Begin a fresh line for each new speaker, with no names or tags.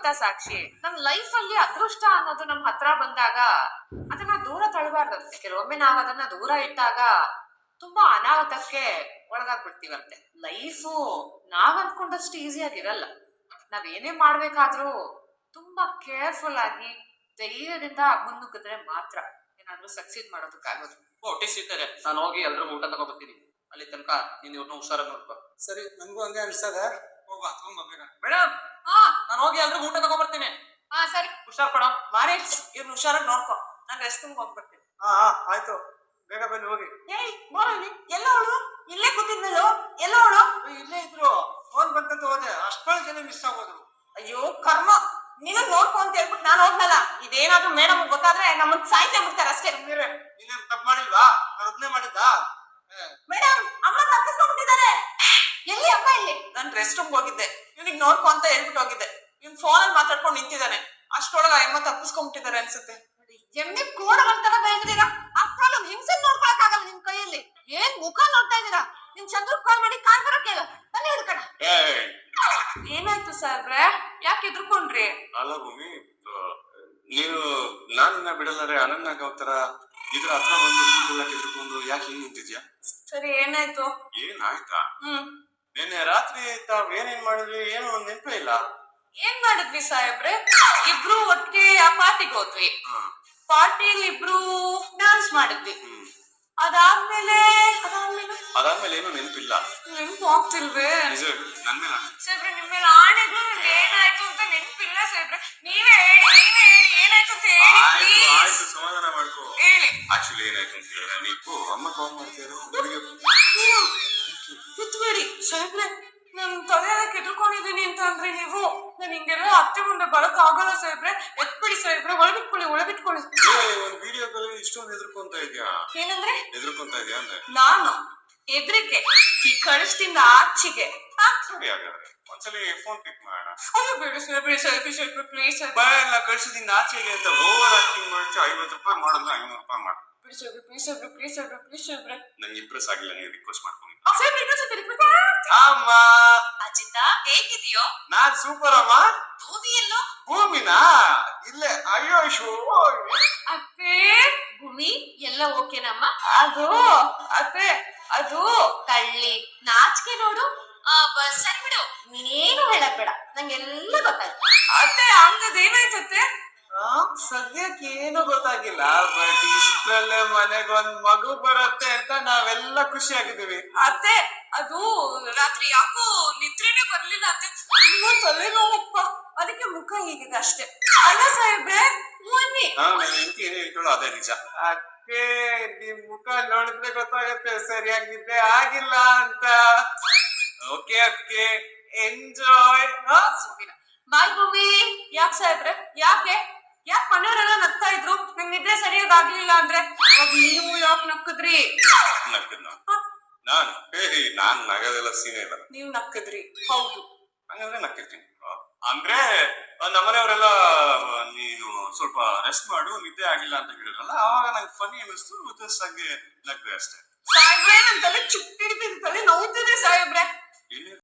ಗೊತ್ತಾ ಸಾಕ್ಷಿ, ನಮ್ ಲೈಫ್ ಅಲ್ಲಿ ಅದೃಷ್ಟ ಅನ್ನೋದು ನಮ್ ಹತ್ರ ಬಂದಾಗ ಅದನ್ನ ದೂರ ತಳ್ಳಬಾರ್ದಂತೆ. ಕೆಲವೊಮ್ಮೆ ನಾವ್ ಅದನ್ನ ದೂರ ಇಟ್ಟಾಗ ತುಂಬಾ ಅನಾಹುತಕ್ಕೆ ಒಳಗಾಗ್ಬಿಡ್ತೀವಂತೆ. ಲೈಫು ನಾವ್ ಅನ್ಕೊಂಡಷ್ಟು ಈಸಿಯಾಗಿರಲ್ಲ. ನಾವ್ ಏನೇ ಮಾಡ್ಬೇಕಾದ್ರೂ ತುಂಬಾ ಕೇರ್ಫುಲ್ ಆಗಿ ಧೈರ್ಯದಿಂದ ಮುನ್ನುಗ್ಗಿದ್ರೆ ಮಾತ್ರ ಏನಾದ್ರೂ ಸಕ್ಸೀಡ್ ಮಾಡೋದಕ್ಕಾಗೋದು.
ಹೊಟ್ಟೆ ಸಿಗ್ತಾರೆ, ನಾನು ಹೋಗಿ ಎಲ್ರಿಗೂ ಊಟ ತಗೋಬರ್ತೀನಿ. ಅಲ್ಲಿ ತನಕ ನೀನ್ ಇವ್ರನ್ನ ಹುಷಾರಾಗಿ ನೋಡ್ಕೊ.
ಸರಿ, ನನ್ಗೂ ಹಂಗೆ ಅನ್ಸದ. ಹೋಗ ತಗೊಂಡ್ಬೇಕ
ಮೇಡಮ್,
ಹಾ
ನಾನು ಹೋಗಿ ಎಲ್ರಿಗೂ ಊಟ ತಗೋಬರ್ತೀನಿ.
ಹಾ ಸರಿ.
ಹುಷಾರ್ ಕೊಡ.
ಮಾರೇ, ಇವ್ರನ್ನ ಹುಷಾರಾಗಿ ನೋಡ್ಕೊ. ನಾನು ರೆಸ್ಟ್ ರೂಮ್ ಹೋಗ್ಬರ್ತೀನಿ.
ಹಾ ಆಯ್ತು, ಬೇಗ ಬನ್ನಿ ಹೋಗಿ.
ಏಯ್ ಬಾರಲ್ಲಿ, ಎಲ್ಲ ಅವಳು ಇಲ್ಲೇ ಕೂತಿದ್ನಲ್ಲೋ, ಎಲ್ಲ ಅವಳು
ಇಲ್ಲೇ ಇದ್ರು, ಫೋನ್ ಬಂತಂತ ಹೋದೆ, ಅಷ್ಟೊಳಗೆ ಮಿಸ್ ಆಗೋದು.
ಅಯ್ಯೋ ಕರ್ಮ, ನೀನು ನೋಡ್ಕೊ ಅಂತ ಹೇಳ್ಬಿಟ್ಟು ನಾನು ಹೋಗ್ನಲ್ಲ. ಇದೇನಾದ್ರೂ ಮೇಡಮ್ ಗೊತ್ತಾದ್ರೆ ನಮ್ಮನ್ನ ಸಾಯ್ತೇ ಬಿಡ್ತಾರೆ ಅಷ್ಟೇ.
ನೀನೇನ್ ತಪ್ಪು ಮಾಡಿಲ್ವಾ? ನಾನು ಒಬ್ನೇ ಮಾಡಿದ್ದ.
ಮೇಡಮ್, ಅಮ್ಮ ತಪ್ಪಿಸ್ಕೊಂಡ್ಬಿಟ್ಟಿದ್ದಾರೆ. ಎಲ್ಲಿ ಅಮ್ಮ? ಇಲ್ಲಿ ನಾನು ರೆಸ್ಟ್ ರೂಮ್ ಹೋಗಿದ್ದೆ, ಇವ್ನಿಗೆ ನೋಡ್ಕೊ ಅಂತ ಹೇಳ್ಬಿಟ್ಟು ಹೋಗಿದ್ದೆ. ಇವ್ನ್ ಫೋನ್ ಅಲ್ಲಿ ಮಾತಾಡ್ಕೊಂಡು ನಿಂತಿದ್ದಾನೆ. ಅಷ್ಟೊಳಗ ಅಮ್ಮ ತಪ್ಪಿಸ್ಕೊಂಡ್ಬಿಟ್ಟಿದ್ದಾರೆ ಅನ್ಸುತ್ತೆ. ಎಮ್ಮೆ ಕೋಡ ಒಂಥರ ಬೆಳೆದಿದ್ದೀರಾ. ಅಷ್ಟೊಳಗ ಹಿಂಸೆ ನೋಡ್ಕೊಳಕ್ ಆಗಲ್ಲ ನಿಮ್ ಕೈಯಲ್ಲಿ. ಏನ್ ಮುಖ ನೋಡ್ತಾ ಇದ್ದೀರಾ? ನಿಮ್ ಚಂದ್ರ ಕಾಲ್ ಮಾಡಿ ಕಾಲ್ ಬರಕ್ ಹೇಳ. ಬನ್ನಿ ಹಿಡ್ಕಣ. ಏನಾಯ್ತು ಸಾಹೇಬ್ರೆ, ಯಾಕೆ ಎದ್ರುಕೊಂಡ್ರಿ?
ಅಲ್ಲ ಭೂಮಿ, ನೀನು ನಾನಿನ್ನ ಬಿಡಲ್ಲಾರೆ ಅನನ್ನಾಗ ಅವತರ ಇದ್ರ ಹತ್ರ ಬಂದು ಕೂದಲೆಲ್ಲ ಕೆದ್ಕೊಂಡು ಯಾಕೆ ಹಿಂಗ್ ನಿಂತಿದ್ಯಾ?
ಸರಿ, ಏನಾಯ್ತು?
ಏನಾಯ್ತಾ? ನಿನ್ನೆ ರಾತ್ರಿ ತಾವ್ ಏನೇನ್ ಮಾಡಿದ್ವಿ ಏನೋ ಒಂದ್ ನೆನಪೇ ಇಲ್ಲ.
ಏನ್ ಮಾಡಿದ್ವಿ ಸಾಹೇಬ್ರೆ? ಇಬ್ರು ಒಟ್ಟಿಗೆ ಆ ಪಾರ್ಟಿಗೆ ಹೋದ್ವಿ. ಪಾರ್ಟಿಲಿ ಇಬ್ರು ಡಾನ್ಸ್ ಮಾಡಿದ್ವಿ. ಅದಾದ್ಮೇಲೆ
ಏನು ನೆನಪಿಲ್ಲ.
ನೆನ್ಪು ಆಗ್ತಿಲ್ವೇ?
ನನ್ ಮೇಲೆ
ಸಾಹೇಬ್ರೆ, ನಿಮ್ ಮೇಲೆ ಆಣೆಗಳು ನಿಮ್ಗೆ ಏನಾಯ್ತು ಅಂತ ನೆನ್ಪಿಲ್ಲ ಸಾಹೇಬ್ರೆ. ನೀವೇ ಹೇಳಿ ಏನಾಯ್ತು ಅಂತ ಹೇಳಿ.
ಆಯ್ತು, ಸಮಾಧಾನ ಮಾಡ್ಕೋ.
ಹೇಳಿ.
ಆಕ್ಚುಲಿ ಏನಾಯ್ತು ಅಂತ ಹೇಳಿದ್ರೆ, ನೀವು ಅಮ್ಮ ಕಾಲ್ ಮಾಡ್ತೀರೋ
ಬಿತ್ಬೇಡಿ ಸಾಹೇಬ್ರೆ. ನನ್ ತಲೆಯೆಲ್ಲ ಕೆದ್ಕೊಂಡಿದ್ದೀನಿ ಅಂತ ಅಂದ್ರೆ ನೀವು ನಾನು ಹಿಂಗೆಲ್ಲ ಅತ್ತೆ ಮುಂದೆ ಬರಕ್ ಆಗಲ್ಲ ಸಾಹೇಬ್ರೆ. ಎತ್ಬಿಡಿ ಸಾಹೇಬ್ರೆ, ಒಳಗಿಟ್ಕೊಳ್ಳಿ.
ಒಂದ್ ವಿಡಿಯೋ ಕಾಲ್ ಇಷ್ಟೊಂದು ಹೆದರ್ಕೊಂತ ಇದ್ಯಾ?
ಏನಂದ್ರೆ
ಹೆದರ್ಕೊಂತ ಇದ್ಯಾ ಅಂದ್ರೆ
ನಾನು ಹೆದ್ರಿಕೆ ಈ ಕಳಿಸ್ತಿಂದ ಆಚೆಗೆ.
ಸರಿ, ಹಾಗಾದ್ರೆ ಒಂದ್ಸಲಿ ಫೋನ್ ಪಿಕ್ ಮಾಡೋಣ.
ಅಯ್ಯೋ ಬೇಡ ಸಾಹೇಬ್ರೆ, ಸೆಲ್ಫಿ ಪ್ಲೀಸ್.
ಎಲ್ಲ ಕಳ್ಸಿದಿಂದ ಆಚೆಗೆ ಅಂತ ಓವರ್ ಆಕ್ಟಿಂಗ್ ಮಾಡ್ತೀವಿ. 50 ರೂಪಾಯಿ ಮಾಡೋದು 500 ರೂಪಾಯಿ ಮಾಡು.
ಪ್ಲೀಸ್ ಸಾಹೇಬ್ರೆ.
ನಂಗೆ ಇಂಪ್ರೆಸ್ ಆಗಿಲ್ಲ, ನೀವು ರಿಕ್ವೆಸ್ಟ್ ಮಾಡ್ಕೊಂಡು.
ಅಮ್ಮ ಅಜಿತ, ಹೇಗಿದೆಯೋ?
ನಾನ್ ಸೂಪರ್ ಅಮ್ಮ.
ಭೂಮಿ ಎಲ್ಲೋ?
ಭೂಮಿನಾ? ಇಲ್ಲೇ. ಅಯ್ಯೋ
ಅತ್ತೆ, ಭೂಮಿ ಎಲ್ಲ ಓಕೆನಮ್ಮ? ಅತ್ತೆ ಅದು ಕಳ್ಳಿ ನಾಚಿಕೆ ನೋಡು. ಸರಿ ಬಿಡು, ನೀನೇನು ಹೇಳಕ್ ಬೇಡ, ನಂಗೆಲ್ಲ ಗೊತ್ತಾಯ್ತು. ಅತ್ತೆ, ಅಂಗದೇನಾಯ್ತತ್ತೆ?
ಸದ್ಯಕ್ಕೆ ಏನು ಗೊತ್ತಾಗಿಲ್ಲ, ಬಟ್ ಇಷ್ಟರಲ್ಲೇ ಮನೆಗೊಂದ್ ಮಗು ಬರುತ್ತೆ ಅಂತ ನಾವೆಲ್ಲ ಖುಷಿ ಆಗಿದ್ದೀವಿ.
ಅತ್ತೆ, ಅದು ರಾತ್ರಿ ಯಾಕೋ ನಿದ್ರೆನೇ ಬರ್ಲಿಲ್ಲ ಅತ್ತೆ. ತುಂಬಾ ತಲೆನೋವಪ್ಪ, ಅದಕ್ಕೆ ಮುಖ ಹೀಗಿದೆ ಅಷ್ಟೇ. ಅಲ್ಲ ಸಾಹೇಬ್ರೆ, ಬನ್ನಿ.
ಏನ್ ಹೇಳ್ಕೊಳ್ಳೋ ಅದೇ ನಿಜ.
ಅಕ್ಕೆ, ನಿಮ್ ಮುಖ ನೋಡಿದ್ರೆ ಗೊತ್ತಾಗತ್ತೆ ಸರಿಯಾಗಿ ನಿದ್ದೆ ಆಗಿಲ್ಲ ಅಂತ. Okay ಅಕ್ಕೆ, enjoy.
ಬಾಯ್ ಭೂಮಿ. ಯಾಕೆ ಸಾಹೇಬ್ರೆ, ಯಾಕೆ ಮನೆಯವರೆಲ್ಲ ನಗ್ತಾ ಇದ್ರು ನಂಗೆ ನಿದ್ದೆ ಸರಿಯಾಗಿ ಆಗ್ಲಿಲ್ಲ ಅಂದ್ರೆ? ನೀವು ಯಾಕೆ ನಕ್ಕದ್ರಿ?
ನಾನು ನಗದೆಲ್ಲ ಸೀನೆ ಇಲ್ಲ.
ನೀವು ನಕ್ಕದ್ರಿ? ಹೌದು.
ಹಂಗಂದ್ರೆ ನಕ್ಕಿರ್ತೀನಿ. ಅಂದ್ರೆ ನಮ್ಮನೆಯವರೆಲ್ಲ ನೀನು ಸ್ವಲ್ಪ ರೆಸ್ಟ್ ಮಾಡು, ನಿದ್ದೆ ಆಗಿಲ್ಲ ಅಂತ ಹೇಳಿದ್ರಲ್ಲ, ಆವಾಗ ನಂಗೆ ಫನಿ ಅನ್ನಿಸ್ತು, ಜಸ್ಟ್ ಹಂಗೆ ನಗ್ದೆ ಅಷ್ಟೇ.
ಸಾಹೇಬ್ರೆ, ನನ್ ತಲೆ ಚುಟ್ಟಿಡ್ತಿದ್, ತಲೆ ನೋವ್ತಿದೆ ಸಾಹೇಬ್ರೆ.